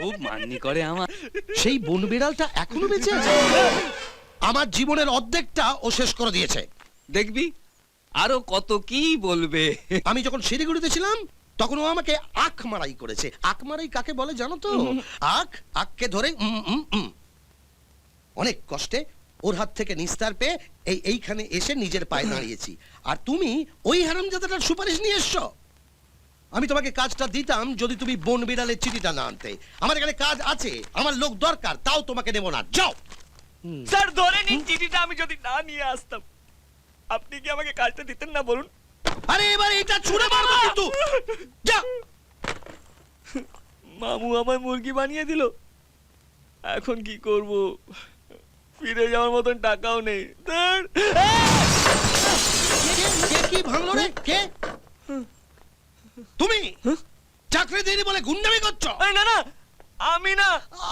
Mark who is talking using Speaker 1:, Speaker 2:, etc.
Speaker 1: খুব মান্নি করে আমার।
Speaker 2: সেই বন বিড়ালটা এখনো বেঁচে আছে। আমার জীবনের অর্ধেকটা ও শেষ করে দিয়েছে।
Speaker 1: দেখবি আরো কত কি বলবে।
Speaker 2: আমি যখন শিলিগুড়িতে ছিলাম তখন ও আমাকে আখ মারাই করেছে। আখ মারাই কাকে বলে জানো তো? আখকে ধরে অনেক কষ্টে ওর হাত থেকে নিস্তার পেয়ে এইখানে এসে নিজের পায়ে দাঁড়িয়েছি। আর তুমি ওই হারামজাদাটার সুপারিশ নিয়ে এসছো। আমি তোমাকে কাজটা দিতাম যদি তুমি বন বিড়ালের চিঠিটা না আনতে। আমার এখানে কাজ আছে, আমার লোক দরকার, তাও তোমাকে দেবো না। যাও।
Speaker 3: স্যার ধরে নিন চিঠিটা, আমি যদি না নিয়ে আসতাম আপনি কি আমাকে কাজটা দিতেন না বলুন?
Speaker 2: আরে এবার এটা ছুঁড়ে মারবো কিন্তু। যা।
Speaker 3: মামু আমায় মুরগি বানিয়ে দিল, এখন কি করব? ফিরে যাওয়ার মতন টাকাও নেই।
Speaker 2: কে কি ভাঙলো রে? কে? তুমি চাকরি দেয়নি বলে গুন্ডামি করছো?
Speaker 3: না না, আমি না।